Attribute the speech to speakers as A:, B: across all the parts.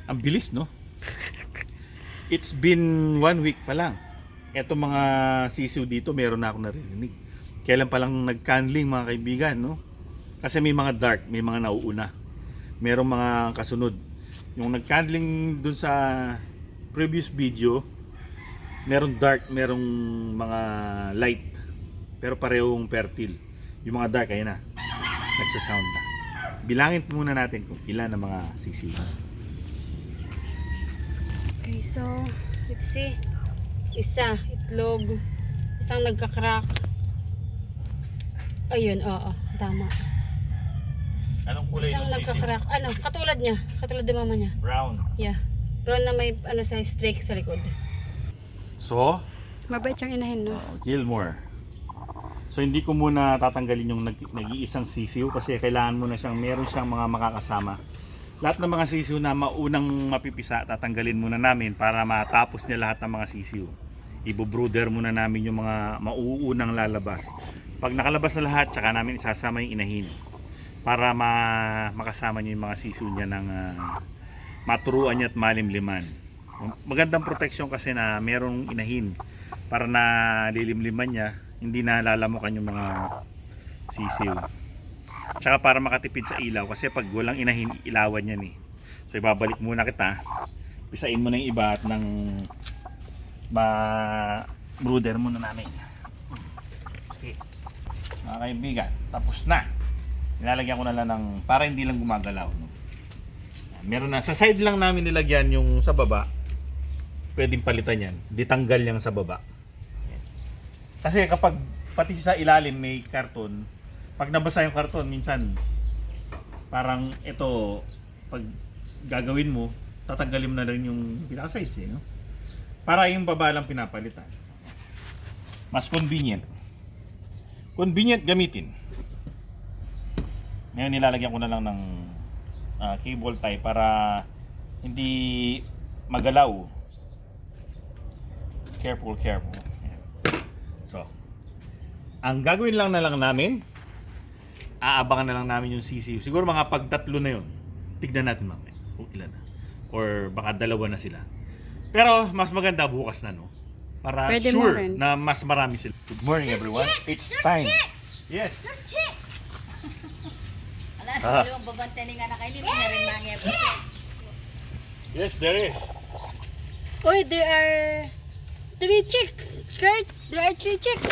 A: Ang bilis, no? It's been 1 week pa lang. Eto mga sisiw dito, meron na ako narinig. Kailan pa lang nag-candling mga kaibigan, no? Kasi may mga dark, may mga nauuna. Merong mga kasunod. Yung nag-candling dun sa previous video, merong dark, merong mga light. Pero parehong fertile. Yung mga dark, ayun na. Nagsasound na. Bilangin muna natin kung ilan ang mga sisiw.
B: Okay, so, let's see. Isa, itlog. Isang nagka-crack. Ayun, oo, tama.
A: Anong kulay
B: Isang
A: ng sisiw?
B: nagka-crack. Ano, katulad niya. Katulad din mama niya.
A: Brown.
B: Yeah. Brown na may, ano, sa streak sa likod.
A: So,
B: Mabait siyang inahin, no?
A: Gilmore. So hindi ko muna tatanggalin yung nag-iisang sisiw kasi kailangan muna meron siyang mga makakasama. Lahat ng mga sisiw na maunang mapipisa, tatanggalin muna namin para matapos niya lahat ng mga sisiw. Ibo-brooder muna namin yung mga mauunang lalabas. Pag nakalabas na lahat, tsaka namin isasama yung inahin para makasama niya yung mga sisiw niya ng maturuan niya at malimliman. Magandang protection kasi na merong inahin para na lilimliman niya, hindi na lalamukan yung mga sisiw. Tsaka para makatipid sa ilaw kasi pag walang inahin, ilawan yan eh. So ibabalik muna kita. Pisain mo na yung iba at ng brooder muna namin. Okay. Mga kaibigan, tapos na. Nilalagyan ko na lang ng para hindi lang gumagalaw. No? Meron na. Sa side lang namin nilagyan yung sa baba. Pwedeng palitan yan. Ditanggal yan sa baba. Kasi kapag pati sa ilalim may karton, pag nabasa yung karton, minsan parang ito, pag gagawin mo, tatanggalin mo na rin yung pinaka-size, no? Para yung baba lang pinapalitan. Mas convenient. Convenient gamitin. Ngayon nilalagyan ko na lang ng cable tie para hindi magalaw. Careful. So, ang gagawin lang namin, aabangan na lang namin yung sisiw. Siguro mga pagtatlo na yun. Tignan natin mamaya kung ilan na. Or baka dalawa na sila. Pero mas maganda bukas na, no? Para
B: Pwede
A: sure na mas marami sila. Good morning, everyone. It's time. Yes.
C: There's chicks! Wala, dalawang babantay nga na kayo. Hindi na rin mga
A: Yes, there is.
B: Uy, there are 3 chicks. Kurt, there are 3 chicks.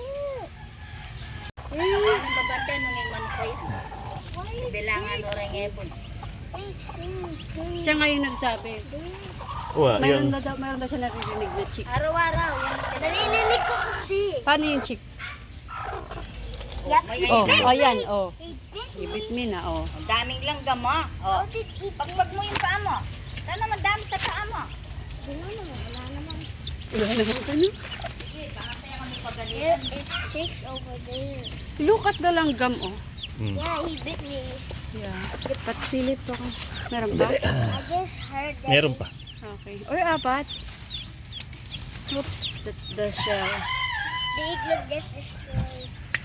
C: Ang babantay nung yung mankoy. Bilangan o rin ebon.
B: Siya nga yung nagsabi. Mayroon daw siya naririnig na chick.
C: Araw-araw.
D: Narinig ko kasi.
B: Paano yung chick?
D: Yup,
B: Oh, ayan, oh. Ibit me na, oh.
C: Ang daming langgam mo. Oh. Pagpag mo yung paa mo. Sana madami sa paa mo.
D: Wala naman.
B: Wala na ba ito, no?
C: Sige, baka kaya kami pagalitan.
D: There is chicks over there.
B: Look at the langgam, oh.
D: Yeah, he bit me.
B: Yeah. Patsilip ako. Meron ba?
D: I just heard that.
A: Meron pa.
B: Okay. Or apat. Oops, the shell.
D: The igloo just destroyed.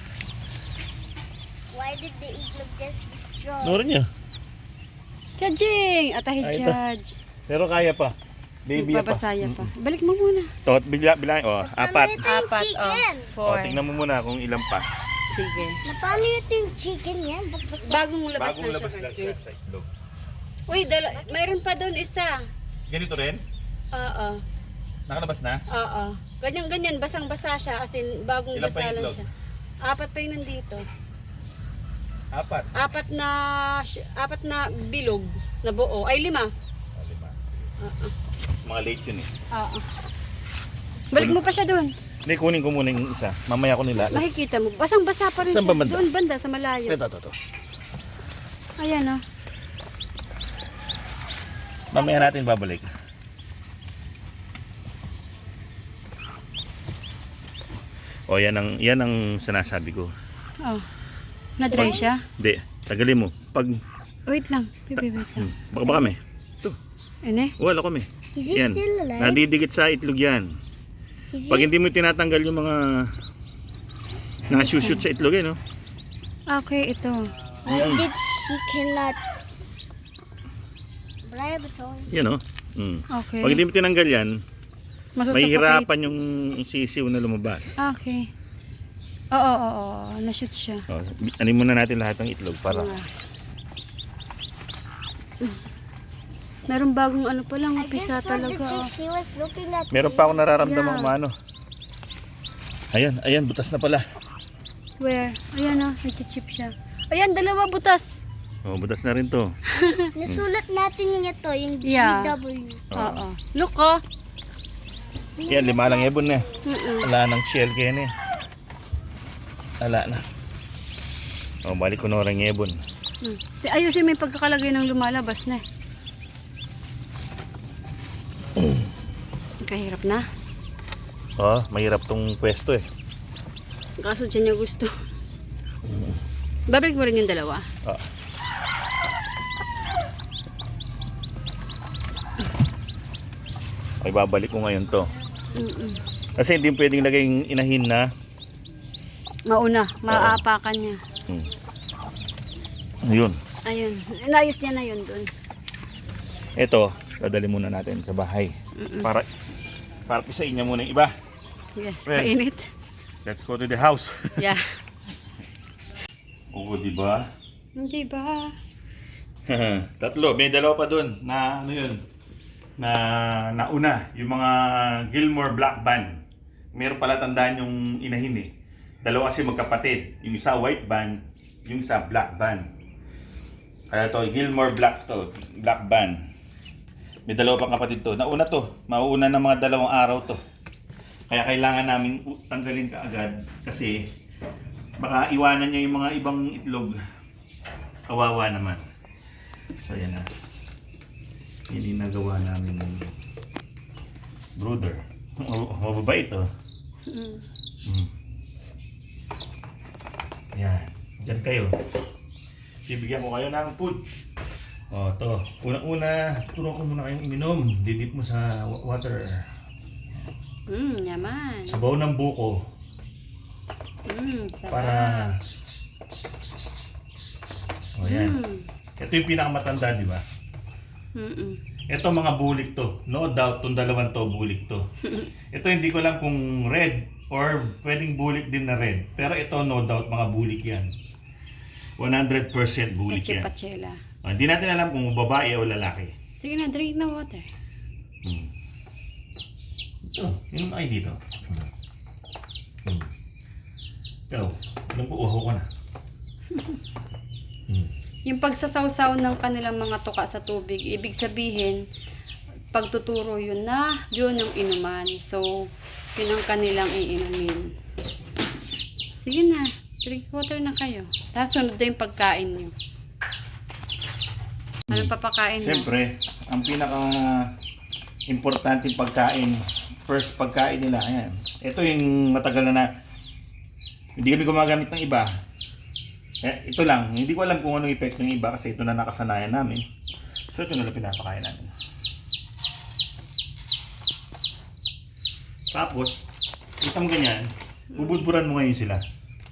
D: Why did the igloo just destroy?
A: Meron niya.
B: Judging! Atahi
A: Ay, ito.
B: judge.
A: Pero kaya pa. Baby pa.
B: Babasaya pa. Balik mo muna.
A: Tot, bilang, apat.
D: Apat,
B: Apat, oh. 4.
A: Tingnan mo muna kung ilan pa.
B: Sige.
D: Paano yung chicken yan? Ba't basta?
B: Bagong labas
A: Bagong
B: na
A: labas
B: siya.
A: lang siya sa itlog.
B: Uy, mayroon pa doon isa.
A: Ganito rin?
B: Oo.
A: Nakalabas na?
B: Oo. Ganyan, basang-basa siya. As in, bagong
A: Ilan pa
B: basa lang
A: itlog?
B: siya. Apat pa yung nandito.
A: Apat.
B: Apat na bilog na buo. Ay, 5.
A: Lima.
B: Oo.
A: Mga late yun eh.
B: Oo. Balik mo pa siya doon.
A: Hindi, kunin ko muna yung isa. Mamaya ko nila.
B: Makikita mo. Basang-basa pa rin
A: Saan
B: siya.
A: ba banda?
B: Doon banda sa malayo.
A: Ito.
B: Ayan, oh.
A: Mamaya natin babalik. O, yan ang sinasabi ko.
B: Oh. Na-dry siya?
A: Hindi, tagalin mo.
B: Wait lang. Wait lang.
A: Baka may. Ito,
B: Ene?
A: wala kami.
D: Is he
A: Yan.
D: still alive?
A: Nadidikit sa itlog yan. Pag hindi mo tinatanggal yung mga shoot sa itlog no?
B: Okay, ito.
D: Why did he cannot laboratory.
A: Yan o.
B: Okay.
A: Pag hindi mo tinanggal yan,
B: Masusuffocate.
A: mahihirapan yung sisiw na lumabas.
B: Okay. Oo. Na-shoot siya.
A: Oh, anin muna natin lahat ng itlog para
B: Meron bagong ano pa lang,
D: I guess
B: pisa
D: what the
B: talaga.
D: chicks, he was looking at
A: meron
D: me.
A: pa akong nararamdaman
B: Yeah.
A: maano. Ayan, butas na pala.
B: Where? Ayan o, nag-chip siya. Ayan, dalawa butas.
A: Oh, butas na rin to.
D: Nasulat natin yung ito, yung
B: Yeah.
D: GW.
B: Oo. Look oh.
A: Yan, 5 lang ebon na. Wala nang shell kaya na eh. Wala na. Oh, balik ko na orang ebon.
B: Ayusin mo yung pagkakalagay ng lumalabas na. Kahirap na.
A: Oh, mahirap tong pwesto eh.
B: Kaso dyan niya gusto. Babalik mo rin yung dalawa.
A: Ah. Okay, babalik ko ngayon to. Kasi hindi pwedeng lagay yung inahin na.
B: Mauna, maaapakan niya.
A: Ayun.
B: Ayun, inayos niya na yun doon.
A: Ito, dadali muna natin sa bahay. Para pisain niya muna yung iba.
B: Yes,
A: Well.
B: mainit.
A: Let's go to the house.
B: Yeah.
A: Oo, di ba?
B: Hindi ba?
A: Tatlo, may dalawa pa doon na ano yun, na nauna, yung mga Gilmore Black Band. Meron pala tandaan yung inahin eh. Dalawa kasi magkapatid, yung isa white band, yung isa black band. Kaya to, Gilmore Black Band. May dalawa pang kapatid to. Nauna to, mauuna ng mga 2 araw to. Kaya kailangan namin tanggalin kaagad kasi baka iwanan niya yung mga ibang itlog. Kawawa naman. So yan na. Yan yung nagawa namin ng brooder. Mababait to. Yan. Diyan kayo. Bibigyan ko kayo ng food. O, to. Una-una, turo ko muna kayong uminom. Didip mo sa water.
B: Yaman.
A: Sabaw ng buko.
B: Sarap.
A: Para... O, yan. Ito yung pinakamatanda, di ba? Ito mga bulik to. No doubt, itong 2 to, bulik to. Ito hindi ko lang kung red or pwedeng bulik din na red. Pero ito, no doubt, mga bulik yan. 100% bulik
B: Peche
A: yan.
B: pachela.
A: Hindi natin alam kung babae o lalaki.
B: Sige na, drink na water.
A: Ito, inom kayo dito. Ikaw, alam ko, uho ko na.
B: Yung pagsasawsaw ng kanilang mga tuka sa tubig, ibig sabihin, pagtuturo yun na, yun yung inuman. So, yun ang kanilang iinumin. Sige na, drink water na kayo. Tapos sunod na yung pagkain nyo. Anong papakain mo?
A: Siyempre, ang pinaka-importante pagkain, first pagkain nila, ayan. Ito yung matagal na hindi kami gumagamit ng iba. Ito lang, hindi ko alam kung anong epekto ng iba kasi ito na nakasanayan namin. So ito na lang pinapakain namin. Tapos, kita mo ganyan, bubudburan mo ngayon sila.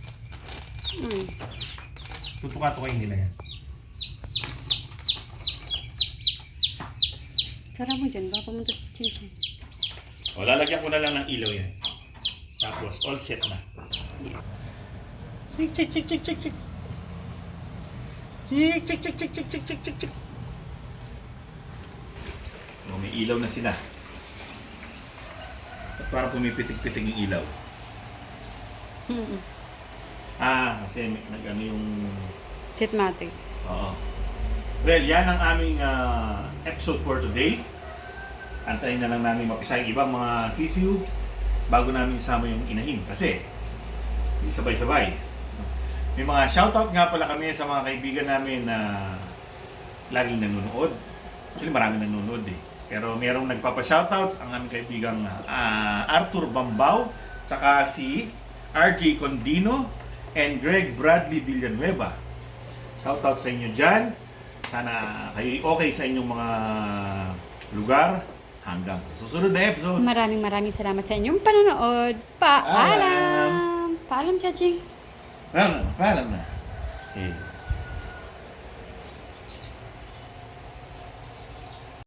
A: Tutuka-tukain nila yan.
B: Sarap mo dyan, baka pumunta sa chinchin.
A: O, lalagyan ko na lang ng ilaw yan. Tapos, all set na. Chik, chik, chik, chik, chik, chik. Chik, chik, chik, chik, chik, chik, chik, chik, chik. O, may ilaw na sila. At parang pumipitig-pitig yung ilaw. Kasi nag-ano yung...
B: Chitmatic.
A: Oo. Well, yan ang aming episode for today. Antayin na lang namin mapisa yung ibang mga sisiw bago namin isama yung inahin kasi hindi sabay-sabay. May mga shoutout nga pala kami sa mga kaibigan namin na laging nanonood. Actually, marami nanonood eh. Pero merong nagpapa-shoutouts ang aming kaibigang Arthur Bambao, saka si RJ Condino and Greg Bradley Villanueva. Shoutout sa inyo dyan. Sana kayo okay sa inyong mga lugar. Hanggang susunod na episode.
B: Maraming salamat sa inyong panonood. Paalam! Paalam, Chaching!
A: Paalam na.